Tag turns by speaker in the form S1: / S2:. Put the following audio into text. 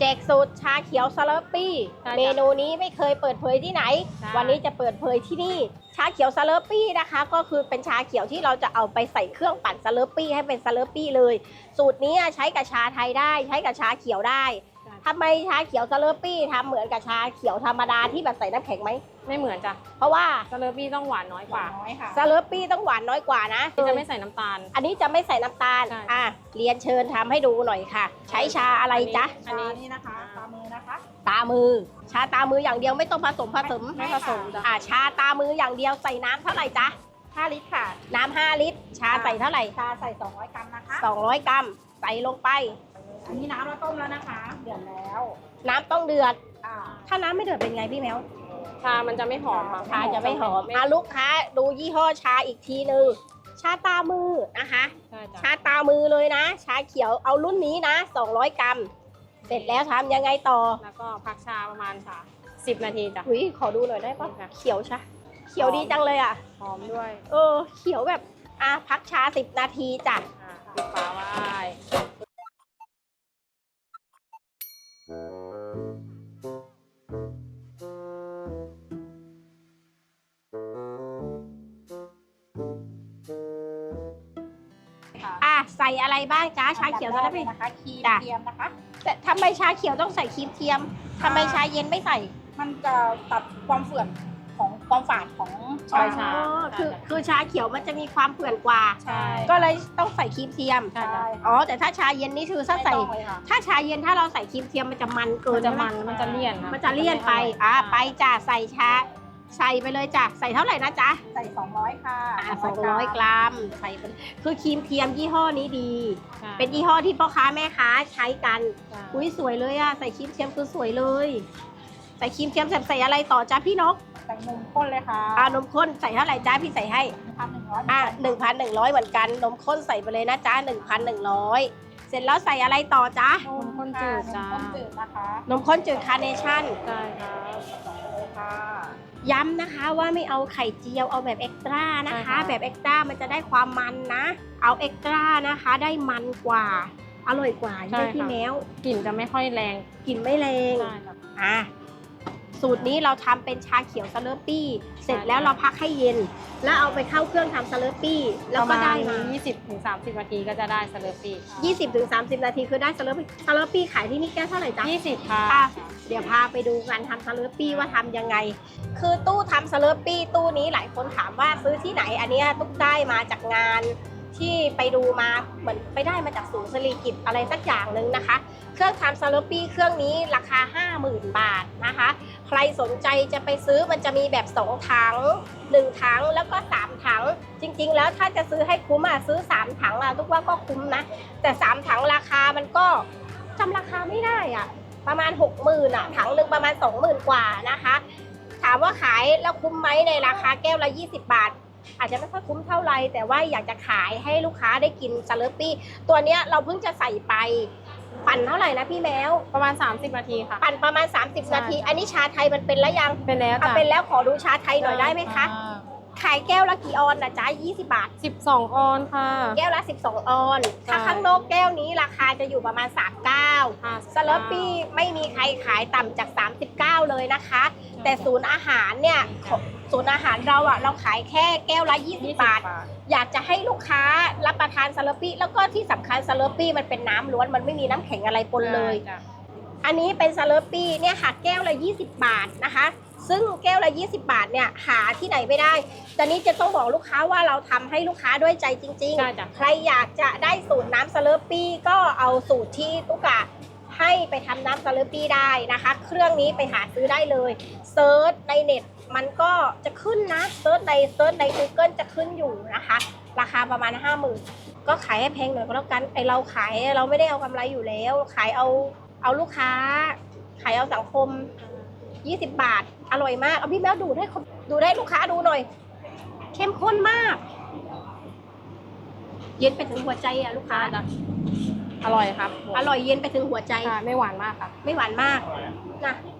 S1: แจกสูตรชาเขียวสเลอร์ปี้เมนูนี้ไม่เคยเปิดเผยที่ไหนวันนี้จะเปิดเผยที่นี่ชาเขียวสเลอร์ปี้นะคะก็คือเป็นชาเขียวที่เราจะเอาไปใส่เครื่องปั่นสเลอร์ปี้ให้เป็นสเลอร์ปี้เลยสูตรนี้ใช้กับชาไทยได้ใช้กับชาเขียวได้ทำไมชาเขียวสเลอร์ปี้ทำเหมือนกับชาเขียวธรรมดาที่แบบใส่น้ำแข็งไหม
S2: ไม่เหมือนจ้ะ
S1: เพราะว่า
S2: สเลอร์ปี้ต้องหวานน้อยกว่า
S1: สเลอร์ปี้ต้องหวานน้อยกว่านะ
S2: จะไม่ใส่น้ำตาล
S1: อันนี้จะไม่ใส่น้ำตาลเรียนเชิญทำให้ดูหน่อยค่ะใช้ชาอะไรจ๊ะ
S3: อันนี้นะคะตามือนะคะ
S1: ตามือชาตามืออย่างเดียวไม่ต้องผสม
S2: ไม่ผสมจ้ะ
S1: ชาตามืออย่างเดียวใส่น้ำเท่าไหร่จ๊ะ
S3: 5 ลิตรค่ะ
S1: น้ำ5 ลิตรชาใส่เท่าไหร่
S3: ชาใส่200 กรัมนะคะ
S1: 200 กรัมใส่ลงไป
S3: อันนี้น้ำเราต้มแล้วนะคะเดือดแล้ว
S1: น้ำต้องเดือดถ้าน้ำไม่เดือดเป็นไงพี่แมว
S2: ชามันจะไม่หอมค่ะ
S1: ชาจะไม่หอมลูกค้าดูยี่ห้อชาอีกทีนึงชาตามือนะคะชาตามือเลยนะชาเขียวเอารุ่นนี้นะ200 กรัมเสร็จแล้วทำยังไงต่อ
S2: แล้วก็พักชาประมาณ10 นาทีจ้ะ
S1: ขอดูหน่อยได้ปะเขียวชาเขียวดีจังเลยอ่ะ
S2: หอมด้วย
S1: เขียวแบบพักชา10 นาทีจ้ะ
S2: ปิดฝาไว้
S1: ใส่อะไรบ้างจ้าชาเขียวจะได้เป็น
S3: นะคะครีมเทียมนะคะ
S1: แต่ทำไมชาเขียวต้องใส่ครีมเทียมทำไมชาเย็นไม่ใส่
S3: มันจะตัดความเฝื่อนของความฝาดของ
S2: ชา
S1: คือชาเขียวมันจะมีความเฝื่อนกว่าก็เลยต้องใส่ครีมเทียมแต่ถ้าชาเย็นนี่คือถ้าชาเย็นถ้าเราใส่ครีมเทียมมันจะมันเกิน
S2: มันจะเลี่ยน
S1: ไปไปจ้าใส่ชาใส่ไปเลยจ้ะใส่เท่าไหร่นะจ๊ะ
S3: ใส่200ค่ะ
S1: 200 กรัมใส่คือครีมเทียมยี่ห้อนี้ดีเป็นยี่ห้อที่พ่อค้าแม่ค้าใช้กันอุ้ยสวยเลยใส่ครีมเทียมคือสวยเลยใส่ครีมเทียมใส่อะไรต่อจ้ะพี่นก
S3: ใส่นมข้นเลยค่ะ
S1: นมข้นใส่เท่าไหร่จ้ะพี่ใส่ให้1,100เหมือนกันนมข้นใส่ไปเลยนะจ๊ะ1,100เสร็จแล้วใส่อะไรต่อจ๊ะ
S2: นมข้นจืดจ้ะ
S3: นมข้นจืดนะคะ
S1: นมข้นจืดคาร์เนชั่น
S2: ใช่ค่ะ
S1: ย้ำนะคะว่าไม่เอาไข่เจียวเอาแบบเอ็กซ์ตร้านะคะแบบเอ็กซ์ตร้ามันจะได้ความมันนะเอาเอ็กซ์ตร้านะคะได้มันกว่าอร่อยกว่าใช่พี่แมว
S2: กลิ่นจะไม่ค่อยแรง
S1: กลิ่นไม่แรงสูตรนี้เราทำเป็นชาเขียวสเลอร์ปี้เสร็จแล้วเราพักให้เย็นแล้วเอาไปเข้าเครื่องทำสเลอร์ปี้แล้วก็ได้มา
S2: 20-30 นาทีก็จะได้สเลอร์ปี้
S1: 20-30 นาทีคือได้สเลอร์ปี้ขายที่นี่แก้วเท่าไหร่จ๊ะ
S2: 20ค่ะ
S1: เดี๋ยวพาไปดูการทำสเลอร์ปี้ว่าทำยังไงคือตู้ทำสเลอร์ปี้ตู้นี้หลายคนถามว่าซื้อที่ไหนอันนี้ตุ๊กได้มาจากงานที่ไปดูมาเหมือนไปได้มาจากศูนย์สิริกิติ์อะไรสักอย่างหนึ่งนะคะเครื่องทำสเลอร์ปี้เครื่องนี้ราคา 50,000 บาทนะคะใครสนใจจะไปซื้อมันจะมีแบบ2 ถัง1 ถังแล้วก็3 ถังจริงๆแล้วถ้าจะซื้อให้คุ้มซื้อ3 ถังทุกว่าก็คุ้มนะแต่3 ถังราคามันก็จำราคาไม่ได้ประมาณ 60,000ถังหนึ่งประมาณ 20,000 กว่านะคะถามว่าขายแล้วคุ้มไหมในราคาแก้วละ20 บาทอาจจะไม่ค่อยคุ้มเท่าไรแต่ว่าอยากจะขายให้ลูกค้าได้กินสเลอร์ปี้ตัวเนี้ยเราเพิ่งจะใส่ไปปั่นเท่าไหร่นะพี่แมว
S2: ประมาณ30 นาทีค่ะ
S1: ปั่นประมาณ30 นาทีอันนี้ชาไทยมันเป็นแล้วยัง
S2: เป็นแล้วจ้ะ
S1: เป็นแล้วขอดูชาไทยหน่อยได้ไหมคะขายแก้วละกี่ออนนะจ๊ะ20 บาท
S2: 12 ออนค่ะ
S1: แก้วละ12 ออนถ้าข้างนอกแก้วนี้ราคาจะอยู่ประมาณ39สเลอร์ปี้ไม่มีใครขายต่ำจาก39เลยนะคะแต่ศูนย์อาหารเนี่ยศูนย์อาหารเราขายแค่แก้วละ20 บาทอยากจะให้ลูกค้ารับประทานสเลอร์ปี้แล้วก็ที่สำคัญสเลอร์ปี้มันเป็นน้ำล้วนมันไม่มีน้ำแข็งอะไรปนเลยอันนี้เป็นสเลอร์ปี้เนี่ยค่ะแก้วละ20 บาทนะคะซึ่งแก้วละ20 บาทเนี่ยหาที่ไหนไม่ได้ตอนนี้จะต้องบอกลูกค้าว่าเราทำให้ลูกค้าด้วยใจจริงๆใครอยากจะได้สูตรน้ำสเลอร์ปี้ก็เอาสูตรที่ตุ๊กให้ไปทำน้ำสเลอร์ปี้ได้นะคะเครื่องนี้ไปหาซื้อได้เลยเซิร์ชในเน็ตมันก็จะขึ้นนะเซิร์ชใน Google จะขึ้นอยู่นะคะราคาประมาณ 50,000 ก็ขายให้แพงหน่อยก็แล้วกันเราขายเราไม่ได้เอากำไรอยู่แล้วขายเอาลูกค้าขายเอาสังคม20 บาทอร่อยมากเอาพี่แมวดูให้ลูกค้าดูหน่อยเข้มข้นมากเย็นไปถึงหัวใจลูกค้า
S2: อร่อยครับ
S1: อร่อยเย็นไปถึงหัวใจ
S2: ไม่หวานมากค่ะ
S1: ไม่หวานมากนะ